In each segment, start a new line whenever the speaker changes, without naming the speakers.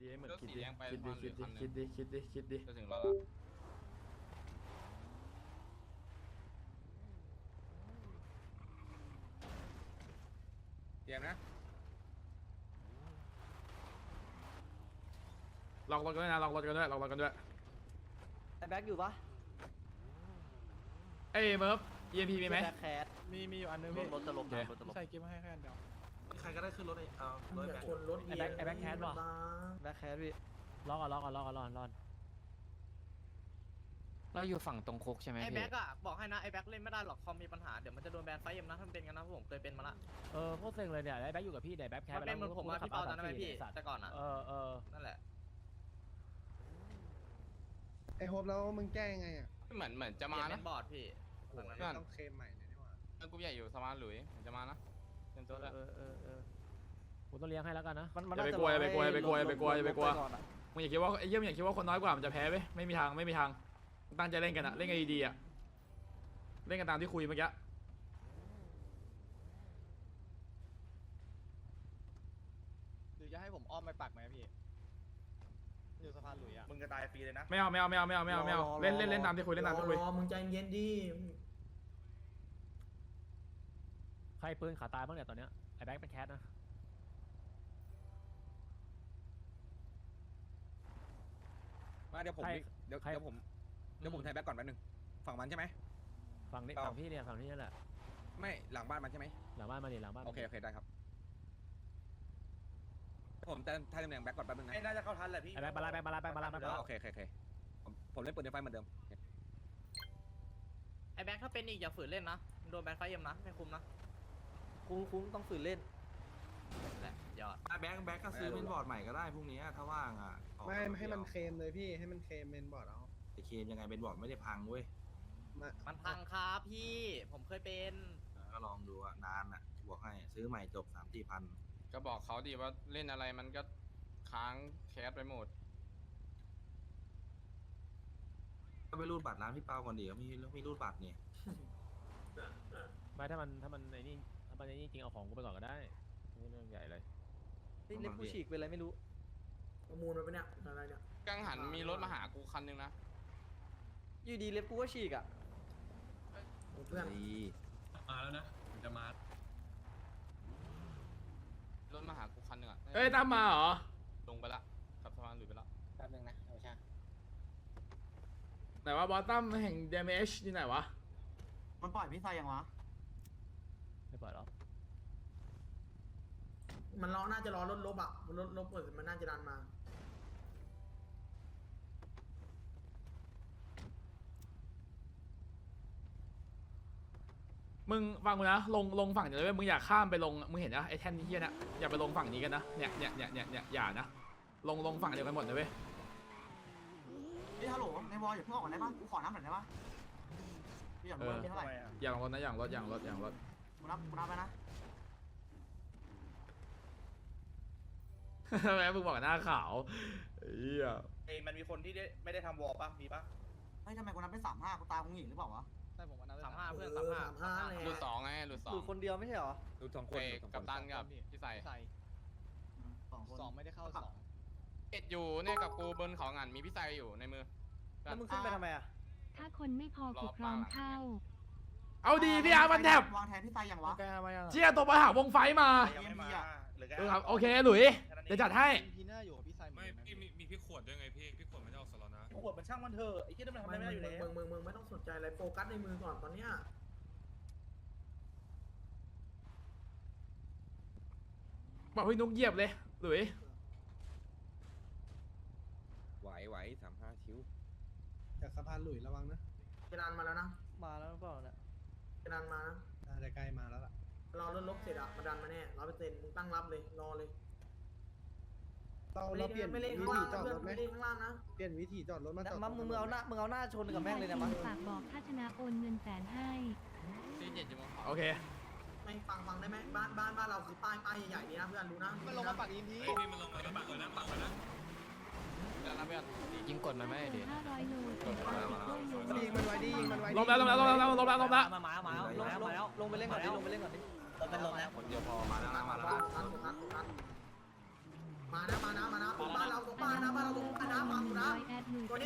คิดให้เหมือน
เลือก
คิด
สี
ดิ
แดงไป
คิดดิ
วันหรือคันหนึ่ง
คิดดิคิดดิคิดดิ
จะถึงเราแล้ว
เตรียมนะ
ลองรถกันด้วยนะลองรถกันด้วยลองรถกันด้วย
ไอ้แบ็คอยู่ปะ
เอ้ยเมิร์ฟ EMP มีไหม
แบ็คแคท
มีอยู่อันนึง
ร
พี่
ถจะลมนะรถจะลม
ใส่กิ๊บมาให้แค่อันเดียว
ใครก็ได้ขึ้นรถรถแบก
คนรถ
ไอ้แบ็คแคทวะแบ็คแคทพี่
รอเราอยู่ฝั่งตรงคุกใช่ไหม
ไอ้
พี่
แบ็กอะบอกให้นะไอ้แบ็กเล่นไม่ได้หรอกคอมมีปัญหาเดี๋ยวมันจะโดนแบนไฟเอ็มนะถ้ามันเป็นกันนะผมเคยเป็นมาละ
โคตรเซ็งเลยเนี่ยได้แบ็คอยู่กับพี่ได้แบ็คแค
มันเป็นเหมือนผมอะพี่เปาตอนนั้นไหมพี่แต่ก่อนอะ นั่นแหละ
ไอโฮปแล้วมึงแก้ยังไงอ่ะ
เหมือนจะ
เปลี่
มาย
นเป็
นะ
นบอร์ดพี่หลังนั้น
ต้องเคลมใหม่เลยนี่หว่า
กรุ๊ปใหญ่อยู่สมาร์ทหลุยเหมือนจะมานะเต็มตัวแล้ว
ผมต้องเลี้ยงให้แล้วกันนะ
อย่าไปกลัวอย่าไปกลัวอย่าไปกลัวอย่าไปกลัวอย่าไปกลัวมึงอย่าคิดว่าไอ้เยี่ยมอย่าคิดว่าคนน้อยกว่ามันจะแพ้ไหมไม่มีทางไม่มีทางตั้งใจเล่นกันอะเล่นกันดีๆอะเล่นกันตามที่คุยเมื่อกี้
หรือจะให้ผมอ้อมไปปักไหมพี่อยู่สะพานหลุยอ่ะ
มึงจะตายฟรีเลยนะ
ไม่เอาเล่นตามที่คุยเล่นตามที่คุย
มึงใจเย็นดิ
ใครปืนขาตายบ้างเนี่ยตอนเนี้ยไอ้แบ็คเป็นแคทนะ
มาเดี๋ยวผมเดี๋ยวผมไทยแบ็คก่อนแป๊บนึงฝั่งมันใช่ไหม
ฝั่งนี้ฝั่งพี่เนี่ยฝั่งนี้นั่นแหละ
ไม่หลังบ้านมันใช่ไหม
หลังบ้านมาดิหลังบ้าน
โอเคได้ครับผมจะไทยตำแหน่งแบ็คก่อนแป๊บนึงนะ
ไอ้น่าจะเข้าทันแหละพี่
ไอ้แบ็คมาละ
โอเคผมเล่นปืนในไฟเหมือนเดิม
ไอ้แบ็กถ้าเป็นอีกอย่าฝืนเล่นนะโดนแบนไฟเอ็มนะไม่คุ้มนะ
คุ้มต้องฝืนเล่น
แหละยอด
แบ็กก็ซื้อเป็นบอร์ดใหม่ก็ได้พรุ่งนี้ถ้าว่างอ่ะ
ไม่ให้มันเคลมเลยพี่ให้มันเคลมเมนบอร์ดเอา
แต่เคมยังไงเป็นบอร์ดไม่ได้พังเว้ย
มันพังครับพี่ผมเคยเป็น
ก็ลองดูอ่ะนานอ่ะบอกให้ซื้อใหม่จบ3-4 พัน
ก็บอกเขาดีว่าเล่นอะไรมันก็ค้างแคสไปหมด
ก็ไปรูดบัตรร้านพี่เปาก่อนดิเขามีรูดบัตรเนี่ย
ไม่ถ้ามันไอ้นี่จริงเอาของกูไปก่อนก็ได้ไม่เรื่องใหญ่เลย
นี่เล็บผู้ฉีกเป็นอะไรไม่รู้
ประมูลมาปะเนี่ยอะไรเนี่ย
กังหันมีรถมาหากูคันนึงนะ
อยู่ดีเล็บกูก็ฉีกอ่ะ
เพื่อน
มาแล้วนะผมจะมาร
ถมาหากูคันนึงอ่ะ
เอ้ยตามมาเหรอ
ลงไปละขับสะพานหลุยไปละ
แป๊บนึงนะเอาช่าง
ไหนว่าบอสตัมแห่ง damage ที่ไหนวะ
มันปล่อยพี่ไซยังวะ
ไม่ปล่อยหรอก
มันน่าจะรอรถลบอ่ะมันรถลบเปิดมันน่าจะดันมา
มึงฟังกูนะลงฝั่งเดี๋ยวเลยมึงอยากข้ามไปลงมึงเห็นนะไอ้แท่นเฮียนะอย่าไปลงฝั่งนี้กันนะเนี่ยอย่านะลงฝั่งเดียวกันหมดเลยเว้ย
พี่ฮัลโหลในวอลอย่าเพิ่งออกก่อนได้ปะกูขอน้ำหน่อยได้ปะพี่อยากรู้ว่ามีเท่าไหร่
อย่าลงรถนะอย่างรถ
กูนับไปนะ
แม่มึงบอกหน้าขาวเฮีย
มันมีคนที่ไม่ได้ทำวอลป่ะมีป่ะ
เฮ้ยทำไมกูนับเป็น35กูตามมึงหญิงหรือเปล่าวะ
ใช่ผมวันนั้น
35เพื่อน
35เลย
หลุดสองไงหลุดสอง
ดูคนเดียวไม่ใช่เหรอ
ดูสองคน
กับตันกับพี่ใส่
ใส่
2 คน
2ไม่ได้เข้า2
เอ็ดอยู่เนี่ยกับกูบนเขางันมีพี่ใส่อยู่ในมือ
แล้วมึงขึ้นไปทำไมอ่ะ
ถ้าคนไม่พอกูพร้อมเข้า
เอาดีพี่อาร์มันแทบ
วางแทนพี่ไซยังวะ
แกมายัง
เชี่ยตัวมาหาวงไฟมา
ยังไม่มาหรือ
ครับโอเคหลุยเดี๋ยวจัดให้
พีน่าอยู่กับพี่ไซ
ไม่พี่มีพี่ขวดด้วยไงพี่ขวดไม่ได้ออกสล็อตนะ
ขวดมันช่างมันเถอะไอ้ที่นั่นมันทำอะไรไม่ได้อยู่แล้ว
มึงไม่ต้องสนใจอะไรโฟกัสในมือก่อนตอนเนี้ย
บอกให้นุกเหยียบเลยหลุย
ไหว35ชิว
จากสะพานหลุยระวังนะจะดันมาแล้วนะ
มาแล้วหรือเปล่าเนี่ย
จะดันมานะน่าจะใกล้มาแล้วล่ะรอรถลบเสร็จอะมาดันมาแน่100%มึงตั้งรับเลยรอเลยเราเปลี่ยนวิธีจอดรถไหมข้างล่างนะเปลี่ยนวิธีจอดรถมาจอด
มึงเอาหน้าชนกับแม่งเลยนะมั้ง
ฝากบอกถ้าชนะโอนเงิน100,000ให้
ที่เจ็ดจะมาขอ
โอเค
ไม่ฟังได้ไหมบ้านเราคือป้ายใหญ่ๆนี่นะเพื่อนรู้นะ
มันลงมาปักอินที
พี่มันลงมาแล้วปักเลยนะปักเลยนะ
เดี๋ยวนะเพื่อน
ยิงกดมันไม่ดิ
500 โลแต่ก็ติดด้วยอยู่
ยิงมันไว้ดิยิงมันไว้
ลงแล้ว
มาลงไปเล่นก่อนดิเป็นลมแล้ว
คนเดียวพอมาแล้วมาแล้ว
มานะบ้านเรา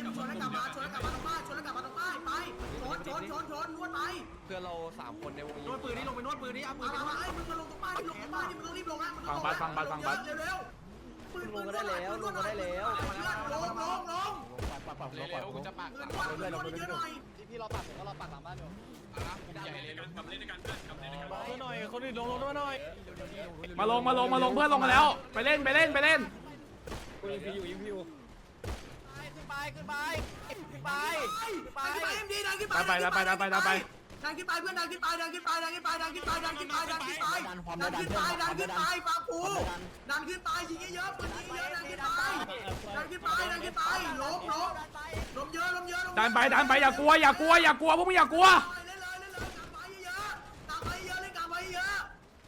ชนแล้วกลับมาตรงบ้านชนแล้วกลับมาตรงบ้านไปชนนวดไป
เพื่อนเรา3คนในวง
นวดปืนนี่ลงไปนวดปืนนี่เอาปืน
เอา
ไปนวด
ไอ้มึงมาลงตรงบ้านนี่มึงต้องรีบลงนะมึง
ฟังบัสฟังบัสฟังบัส
เร็วปืนลงได้แล้วลงได้แล้วลง
เร็วๆกูจะปาก
ปื
หลั
น
ง
นวดเยอะหน่อย
พี่รอปักผมก็รอปักหลังบ้านอยู่
ใหญ่เลยลุง
กลับมาเล่นด้วยกันเพื่อนกลับมาเล่นด้วยกัน
หน่อยคนอื่นลงมาหน่อย
มาลงเพื่อนลงมาแล้วไปเล่น
กูยิงพีอยู่
ขึ้นไป
เอ็มดีดันขึ้นไป
ไป
ดันขึ้นไปเพื่อนดันขึ้นไปฟังกูดันขึ้นไปยิงเยอะปืนยิงเยอะดันขึ้นไปล้มเยอะ
ดันไปอย่ากลัวพวกมึงอย่ากลัว
เล่นเลยกลับไปเยอะเร็วเร็วกลับไปเยอะ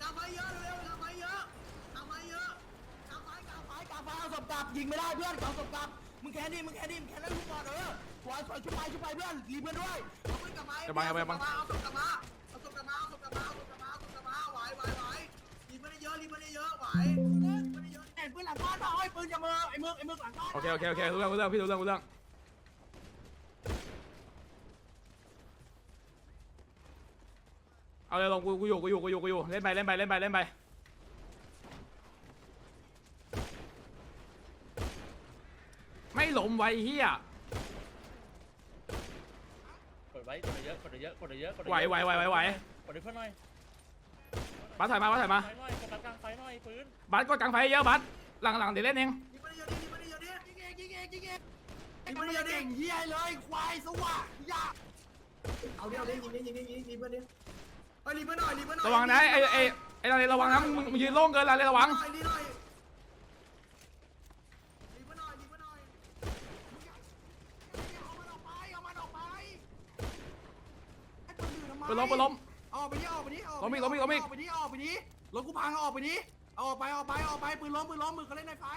เอาศพกลับยิงไม่ได้เพื่อนเอาศพกลับมึงแค่นี้แล้วทุกคนปล่อยชุบไปเพื่อนรีเพื่อนด้วยเอาปืนกลับมาเอาศพกลับมาไหวรีเพื่อนเยอะไหวเห็นปืนหลังบ้านป่ะปืนจะมือไอ้มึกหลังบ้าน
โอเครู้เรื่องพี่รู้เรื่องเอาเลยลงกูอยู่เล่นไปไม่หลมไว้เฮีย
กดไว้กดเยอะไหว
กดเพื่อนหน่อยบัสถ่ายมา
ไฟหน่อยกดกลางไฟหน่อยปืน
บัสกดกลางไฟเยอะบัสหลังเดี๋ยวเล่นเอง
ยิงมันเยอะเก่งเฮียเลยควายสว่างยาเอาดิยิงเพื่อนดิเฮ้ยรีเพื่อนหน่อย
ระวังนะไอ้ระวังนะมึงยืนโล่งเกินระวัง
รีเพื่อนหน่อยเอามันออกไป
ปืนล้ม
ออกไปดิ
ล้มอีก
ออกไปดิรถกูพังออกไปดิออกไปปืนล้มมือเขาเล่นในไฟ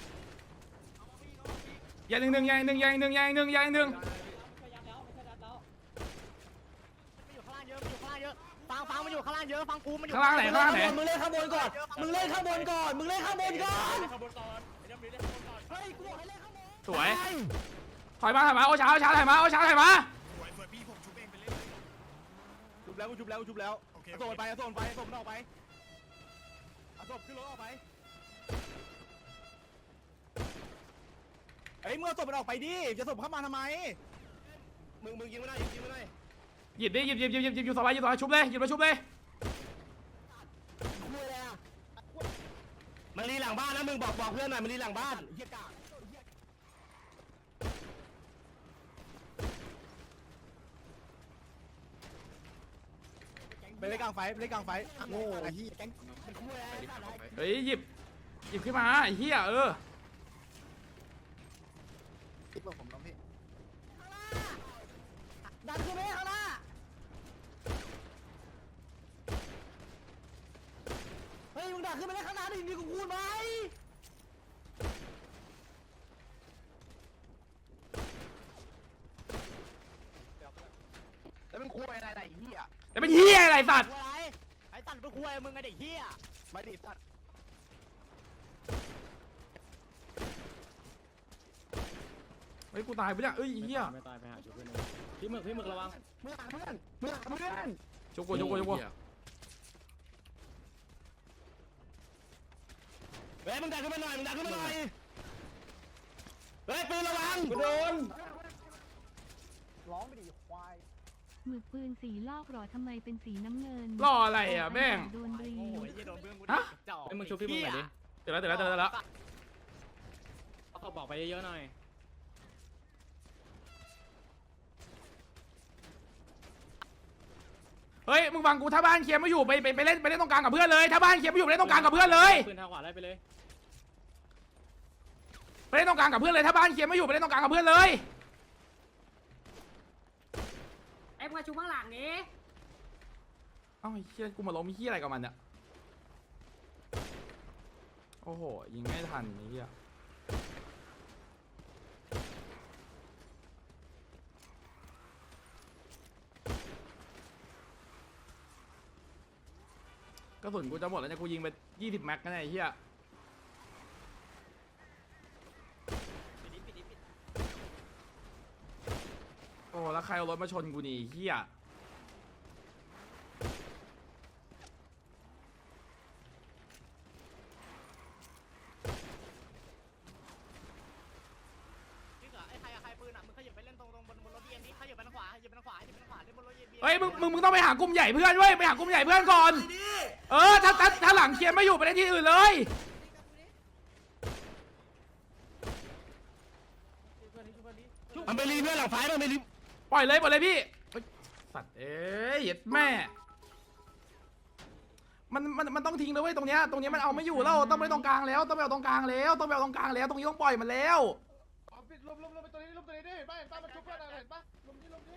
อย่าหนึ่ง
มันอยู่ข้างล่างเยอะมันอยู่ข้างล่างเยอะฟังมันอยู่ข้างล่างเยอะฟังกูมันอยู่
ข้างล่างไหน
มึงเล่นข้างบนก่อนเฮ้ยกูบอกให้เล่นข้างบน
สวยถอยมาโอ้ช้าถอยมา
สวยพี่ผมชุบเองไปเล่นเลย
ชุบแล้วเอาศพไปเอาศพมันออกไปเอาศพขึ้นรถออกไปเฮ้ยเมื่อศพมันออกไปดิจะศพเข้ามาทำไมมึงยิงไม่ได้
หยิบอยู่สบายชุบเลยหยิบมาชุบเลย
มันรีหลังบ้านนะมึงบอกเพื่อนหน่อยมันรีหลังบ้านเฮียกาไปเล่นกลางไฟโง่ไอ้เหี้ยแก๊งมันคุ้มเลย
เฮ้ยหยิบขึ้นมาไอ้เหี้ย
ดันขึ้นไปข้างหน้าเฮ้ยมึงดันขึ้นไปข้างหน้าดิมีกูพูดไหมแล้วมึงคุยอะไรเหี้ย
แต่เป็นเหี้ยอะไรสัตว์
ไอ้ตันไปคุยมึงไงเด็กเหี้ย
ไม่ดิสัตว์
เฮ้ยกูตายไปเนี่ยเหี้ย
ไม่ตายไปหาชุบเพื่อนพี่หมึกระวัง
เมื่อเพื่อน
ชุบกู
เฮ้ยมึงดันขึ้นมาหน่อยเฮ้ยปืนระวังกูโดน
ร้องไปดิควาย
หมึกปืนสีลอกหรอทำไมเป็นสีน้ำเงิน
รออะไรอ่ะแม่ง
โดนรี
โอ้ยยี่โดนเพื่อนกู
ฮะ
จ่อ
ไอ้มึงชุบพี่มึงหน่อยดิ
เดี๋ยวแล้ว
เอาเขาบอกไปเยอะๆหน่อย
เฮ้ยมึงฟังกูถ้าบ้านเคลียร์ไม่อยู่ไปเล่นตรงกลางกับเพื่อนเลยถ้าบ้านเคลียร์ไม่อยู่ไปเล่นตรงกลางกับเพื่อนเลย
ปืนทางขวาไล่ไปเลย
ไปเล่นตรงกลางกับเพื่อนเลยถ้าบ้านเคลียร์ไม่อยู่ไปเล่นตรงกลางกับเพื่อนเลย
ไอ้มาชูข้างหลังนี้
เอ้าไอ้เหี้ยกูมาล้มไอ้เหี้ยอะไรกับมันเนี่ยโอ้โหยิงไม่ทันไอ้เหี้ยกระสุนกูจะหมดแล้วเนี่ยกูยิงไป20 แม็กกันไอ้เหี้ยรเอารถมาชนกูนี่เฮีย
ไอ้ใครปืนอ่ะมึงขยับไปเล่นตรงบนรถเอ็มดิขยับไปทางขวาขยับไปทางขวาขยับไปทางขวาเล่นบนรถเอ็มดิ
เฮ้ยมึงต้องไปหากลุ่มใหญ่เพื่อนเว้ยไปหากลุ่มใหญ่เพื่อนก่อนถ้าหลังเคลียร์ไม่อยู่ไปเล่นที่อื่นเลย
มันไปรีเพื่อนหลังไฟมันไปรี
ปล่อยเลยพี่เฮ้ยสัตว์เอ้ยเหี้ยแม่มันต้องทิ้งเลยเว้ยตรงเนี้ยมันเอาไม่อยู่แล้วต้องไปตรงกลางแล้วต้องไปเอาตรงกลางแล้วตรงนี้ต้องปล่อยมันแล้ว
ลมไปตัวนี้ดิเห็นป่ะมันชุบเพื่อนเห็นป่ะลมนี้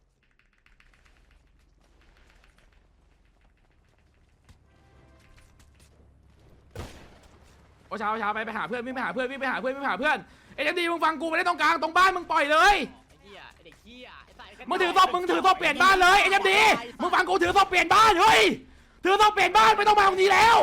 โอ้เช้าไปหาเพื่อนวิ่งไปหาเพื่อนเอ็มดีมึงฟังกูไปได้ตรงกลางตรงบ้านมึงปล่อยเลย
ไอ้เหี้ยไอ้เด็กเหี้ยไอ้สาย
มึงถือศพเปลี่ยนบ้านเลยเอ็มดีมึงฟังกูถือศพเปลี่ยนบ้านเฮ้ยถือศพเปลี่ยนบ้านไม่ต้องมาตรงนี้แล้ว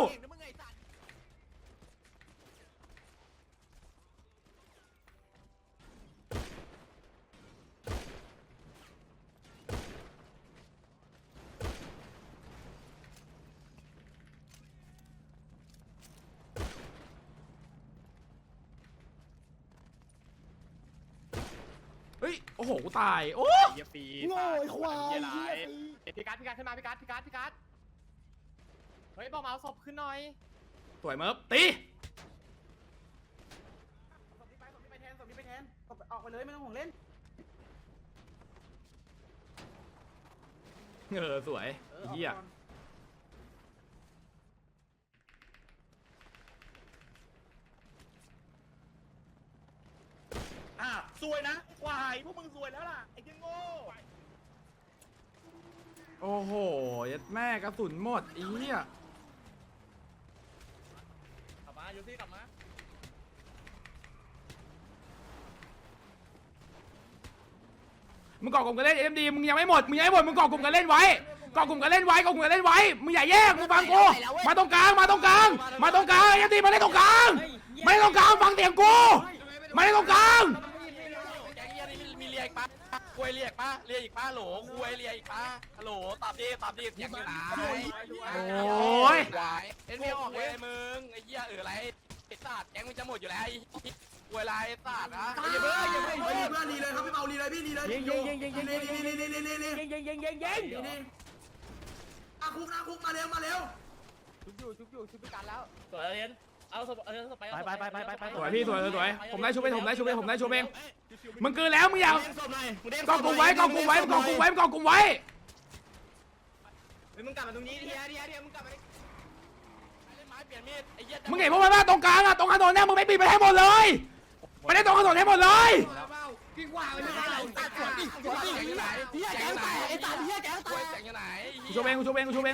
เฮ้ยโอ้โหกูตายโอ้
เหี้ยปี
โง่ไอ้ควาย
พี่การขึ้นมาพี่การเฮ้ยบอกมาเอาศพขึ้นหน่อย
สวยเมิร์ฟตี
ศพนี้ไปแทนออกไปเลยไม่ต้องห่วงเล่น
สวยเฮีย
สวยนะควายพวกมึงสวยแล้วล่ะไอ้เจ้าโง่
โอ้โหยัดแม่กระสุนหมดอีเหี้ย
กลับมายูซี่กลับมา
มึงเกาะกลุ่มกันเล่นเอ็มดีมึงยังไม่หมดมึงเกาะกลุ่มกันเล่นไว้มึงอย่าแยกมึงฟังกูมาตรงกลางเอ็มดีมาเล่นตรงกลางฟังเสียงกูมาเล่นตรงกลาง
มีเรียกปะคุยเรียกอีกปะโหลคุยเรียกอีกปะฮัลโหลตอบดิเสียงอยู่ไหน
โอ้ย
เอ็นไม่ออกเลยมึงไอ้เหี้ยอะไรไอ้สัตว์แกงมึงจะหมดอยู่แล้วไอ้คุยอะไรไอ้สัตว์นะอย่าเพิ่งเพื่อนรีเลยครับพี่เปารีเลยพี่รีเลยยิงคุกมาเร็ว
ชุบอยู่พี่การแล้วสวยเรียนเอาศพไป
สวยพี่สวยผมได้ชุบเองมึงเกินแล้วมึงอย่ากองกลุ่มไว้มึงกลับมาตรงนี้เดียมึงกลับมามึงเห็นพวกมันว่าตรงกลางอะตรงถนนเนี่ยมึงไม่ปิดไปให้หมดเลยไปได้ตรงถนนให้หมดเลยกูชูเองคุ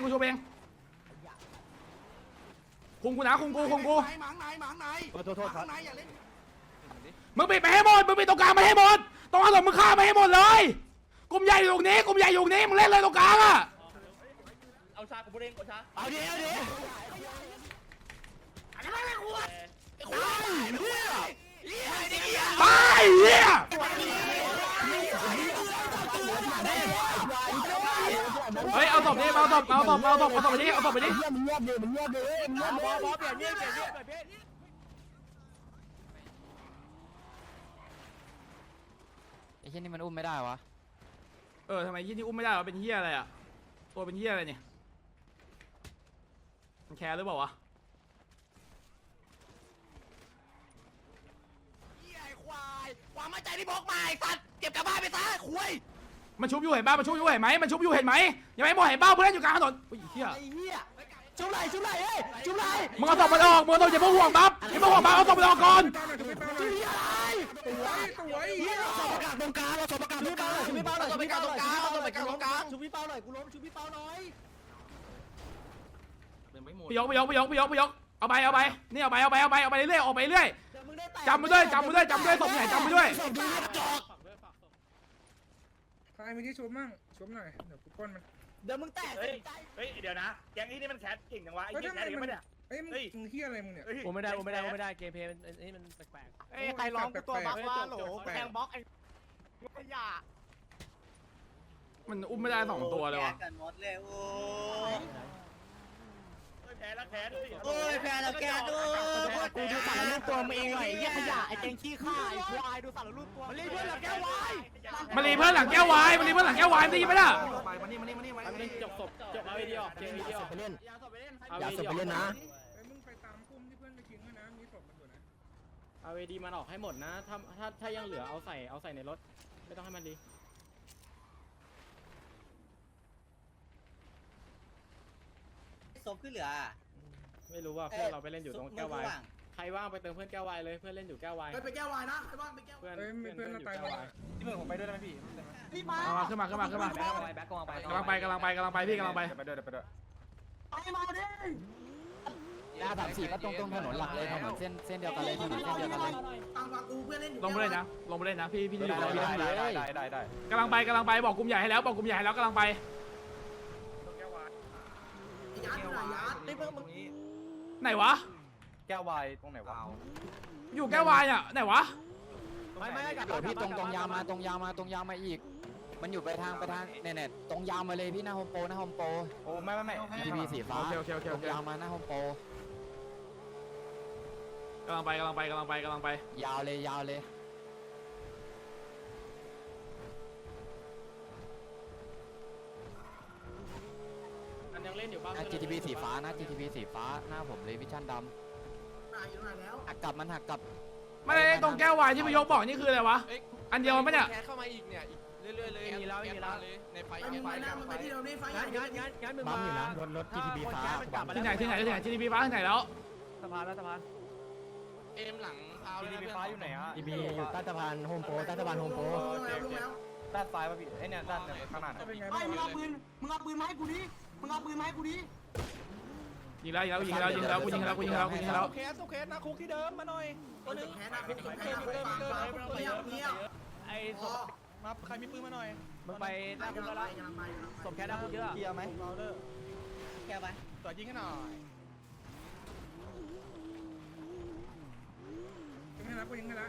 มกูนะคุมกูโทษครับมึงปิดไปให้หมดมึงปิดตรงกลางไปให้หมดตรงถนนมึงฆ่าไปให้หมดเลยกลุ่มใหญ่อยู่ตรงนี้มึงเล่นเลยตรงกลางอะ
เอาชากูเด้งเอาชา
เอาดิ
ตายเหี้ยเฮ้ยเอาศพนี้เอาศพไปดิ
มันเงียบเลย
เปลี่ยน
ไอ้เหี้ยนี่มันอุ้มไม่ได้วะ
ทำไมยี่นี่อุ้มไม่ได้วะเป็นเหี้ยอะไรอะตัวเป็นเหี้ยอะไรเนี่ยมันแคร์หรือเปล่าวะ
ความมั่นใจที่พกมาไอ้สัตว์เก็บกลับบ้านไปซะคุย
มันชุบอยู่เห็นป่ะยังไม่หมดเห็นป่ะเพื่อนอยู่กลางถนนอุ้ยเหี้ย
ไอ้เหี้ยชุบไหลเฮ้ยชุบไหล
มึงเอาศพมันออกอย่าเพิ่งห่วงบัฟเอาศพมันออกก่อน
ชุบอะไรเหี้ยเราสอบประกาศตรงกลางชุบพี่เปาหน่อยชุบพี่เปาหน่อยชุบพี่เปาหน่อยกูล้มชุบพี่เปาหน่อย
พี่ยกเอาไปนี่เอาไปเรื่อยออกไปเรื่อยจำไปด้วยศพใหญ่จำไปด้วย
ใครมีที่ชุบมั่งชุบหน่อยเดี๋ยวกูป้นมัน
เดี๋ยวมึงแตก
เฮ้ยเดี๋ยวนะแก๊งนี้มันแคสเก่งจังวะไอ้เหี้ยแคสเก่งปะเนี่ย
เอ้ยมึงเฮียอะไรมึงเนี่ย
โอ้ไม่ได้เกมเพลย์มันแปลก
เอ้ยใครร้องกูตัวบักว่าโหแทงบล็อกไอ้ขยะ
มันอุ้มไม่ได้2 ตัวเลยว่ะ
กันหมดเลยโอ้แพ้แล้วแพ้ด้วย
โอ้ยแพ้แล้วแกดู
กูดูสารรูปตัวมึงเองหน่อยไอ้เหี้ยขยะไอ้แกงขี้ข้าไอ้ควายดูสารรูปตัวมันรีบเพื่อนหลังแก้ววาย
มารีเพื่อนหลังแก้ววายมารีเพื่อนหลังแก้ววายได้ยินไหมล่ะ
ไปมานี่
จบเอาไอ้ดีออกเกมดีออก
ไปเล่น
อย่าสอบไปเล่น
อย่าสบไปเล่นนะ
ไอ้มึงไปตามคุ้มที่เพื่อนไปทิ้งไว้นะมีศพมันอยู่นะ
เอาไอ้ดีมันออกให้หมดนะถ้ายังเหลือเอาใส่ในรถไม่ต้องให้มันดี
ศพขึ้นเหลือ
ไม่รู้ว่าเพื่อนเราไปเล่นอยู่ตรงแก้ววายใครว่างไปเติมเพื่อนแก้ววายเลยเพื่อนเล่นอยู่แก้ววาย
ไปแก้ววายนะใครบ้างไปแก้ว
เพื่อน
เอ้ยมีเพื่อน
อ
เรา
ยู่
ตาย
แก้ว
มาว
าย
ที่เมืองผมไปด้วยได้ไหมพี่
รีบมา
ขึ้นมาพี่กำลังไปพี่กำลังไป
ไปด้วยไปด้วย
ไปมาดิ
ยา34ก็ตรงถนนหลักเลยถนนเส้นเดียวกันเลยถนนเส้นเดียวกันเลยฟังกูเพื่อนเล่นอยู่
ลงไปเลยนะพี่อยู่
ได้
กำลังไปบอกกลุ่มใหญ่ให้แล้วบอกกลุ่มใหญ่ให้แล้วกำลังไป
ยัดหน่อยยัด
ไหนวะ
แก้ววายตรงไหนวะ
อยู่แก้ววายอ่ะไหนวะ
ไม่
เดี๋ยวพี่ตรงยาวมาอีก มันอยู่ไปทางเนี่ยตรงยาวมาเลยพี่หน้าโฮมโปร
โอ้ไม่
GTB สีฟ้า
โอเค
ตรงยาวมาหน้าโฮมโปร
กำลังไป
ยาวเลย
มันยังเล่นอยู่บ้าง
GTB สีฟ้านะ GTB สีฟ้าหน้าผมเลยวิชั่นดำหักกลับมันหักกลับ
ไม่ได้ตรงแก้ววายที่พี่ยกบอกนี่คืออะไรวะอันเดียวมันปะเนี่ย
แคสเข้ามาอีกเนี่ยอีกเรื่อยๆเลย
มีแล้ว
ในไฟในไฟ
งั้นมึง
ปั๊มอยู่นะรถ GTB ฟ้า
ที่ไหนที่นี่พี่ฟ้าที่ไหนแล้ว
สะพาน
เอ็มหลังพาวเลยนะ
ฟ้าอยู่ไหนอ่ะ
GTB อยู่ใต้สะพานโฮมโปรด้านซ้ายป่ะพี่เนี่ยด้านข้างหน้า
เป็นไง
ไม่
บ้าง
มึงเอาปืนมาให้กูดิ
ยิงแล้วกูยิงแล้ว
เคสทุกเคสนะคุกที่เดิมมาหน่อยตัวนึง
แค่หน้าคุก
ไอ้ศพมาใครมีปืนมาหน่อย
มึงไปหน้าคุกแล้วละสมแค่หน้าคุกเยอะ
เกียร์ไหมเราเด้อ
แก้ไป
ต่อยิงให้หน่อย
ยิงให้ละกูยิงให้ละ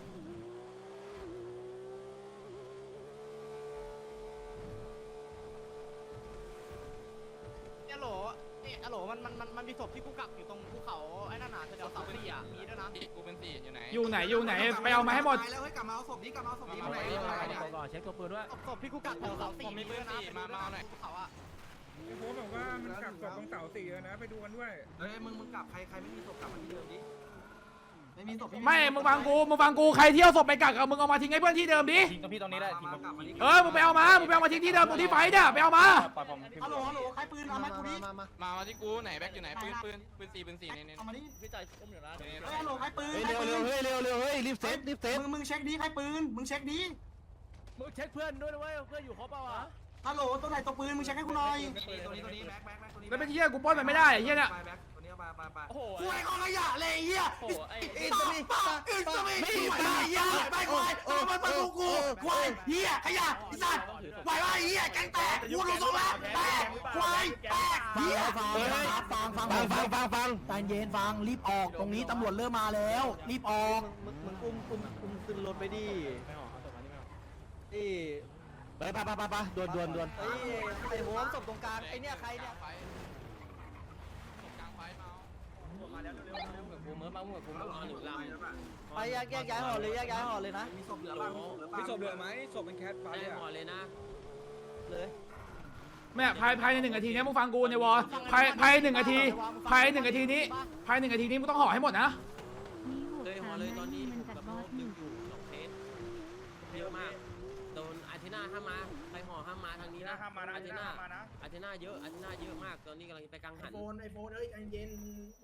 ฮัลโหลมันมีศพที่กูกักอยู่ตรงภูเขาไอ้นั่นน่ะแถวเสาสี่อ่ะมีด้วยนะ
กูเป็น4อยู่ไหน
อยู่ไหนไปเอามาให้หมด
แล้วเฮ้ยกลับมาเอาศพนี้ก่อน
เช็คตัวปืนด้วย
ศพที่กูกักแถวเสาสี่มีด้วยนะภูเขาอ่ะ
ไอ้โค้บอกว่ามันกลับศพตรงเสา4แล้วนะไปดูกันด้วย
เฮ้ยมึงกลับใครไม่มีศพกลับมาที่เดิมดิ
ไม่มีศพ
ไม่มึงฟังกูใครเที่ยวศพไปกักกับมึงเอามาทิ้งให้เพื่อนที่เดิมดิ
ทิ้งตรงพี่ตรงนี้ได้ทิ้ง
กลับมาที่
มึงไปเอามาทิ้งที่เดิมตรงที่ไฟเนี่ยไปเอามา
ปล่อยผม
ฮัลโหลใครปืนเอามากูดิ
มาที่กูไหนแบ็คอยู่ไหนปืน4เนี่ย
เอามาดิ
พี่จ่ายอุ้มอยู่นะ
ฮัลโหลใครปืน
เร็วรีบเซฟ
มึงเช็คดิใครปืนมึงเช็คดิ
มึงเช็คเพื่อนด้วยนะเว้ยเพื่อนอยู่ครบเปล่าวะ
ฮัลโหลตัวไหนตัวปืนมึงเช็คให้กูหน่อย
ตัวนี้แบ็คตัวนี้
แล้วเป็นเหี้ยกูป้อนมันไม่ได้ไอ้เหี้ยเนี่ย
ไปแบ็คตัวนี้ไป
โอ้โห
กูไอ้ของขยะเลยไอ้เหี้ย
โอ้โหไอ้
อินสมิไม่ไหวเหี้ยไปควายมันมากูควายเหี้ยขยะไอ้สัตว์ไหวว่าไอ้เหี้ยแกงแตกกูลงตรงแล้วแตกควายแตกเหี้ย
ฟังใจเย็นฟังรีบออกตรงนี้ตำรวจเริ่มมาแล้วรีบออก
มึงอุ้มขึ้นรถไปดิ
ไม่ออกเอาศพมานี่ไม่ออก
ดิ
ไปด่วน
เฮ้ยไอ้หัวศพตรงกลางไอ้เนี่ยใครเนี่ย
ไฟกลางไฟมา
กูเมื่อมากูไม่มาหรือลำ
ไปแยกย้ายห่อเลยแยกย้ายห่อเลยนะ
มีศพเหลือบ้าง
มีศพเหลือไหมศพเป็นแคทฟ้าเนี่ย
ห่อเลยนะ
เลย
แม่ภายใน1 นาทีนี้มึงฟังกูในวอลภาย1 นาทีภาย1 นาทีนี้มึงต้องห่อให้หมดนะ
มีบวก3นะมันจัดบอส1
อยู่2เคสเยอะมากโดนอาทิน่าห้ามมาใครห่อห้ามมาทางนี้นะอาทิน่าเยอะมากตอนนี้กำลังไปกังหัน
ไอโฟนเอ้ยใจเย็น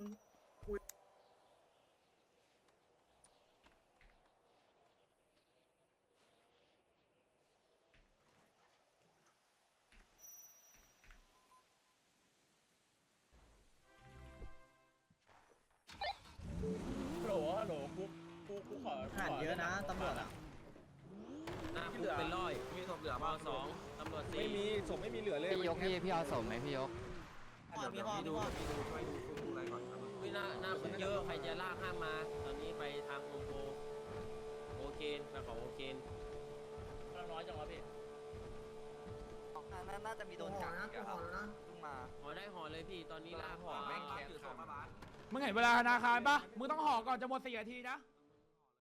หันเยอะนะตำรวจอ่ะ
หน้าคุกเป็นร้อย
มีศพเหลือ
ม
บ้าง
2ตำรวจ
ไม่มีศพไม่มีเหลือเลย
พี่ยกพี่เอาศพไหมพี่ยก
ดูอะไรก่อน
หน้าคุกเยอะใครจะลากห้ามมาตอนนี้ไปทางโฮมโปรโอเคนไปขอโอเคนน้อยจังวะพี่
น่าจะมีโดนจับนะกูห่อแล้วนะเพิ่งมา
ห่อได้ห่อเลยพี่ตอนนี้ลา
ห่อแม่งแคส
ถือศพมาบ้าน
มึงเห็นเวลาธนาคารปะมึงต้องห่อก่อนจะหมด4 นาทีนะ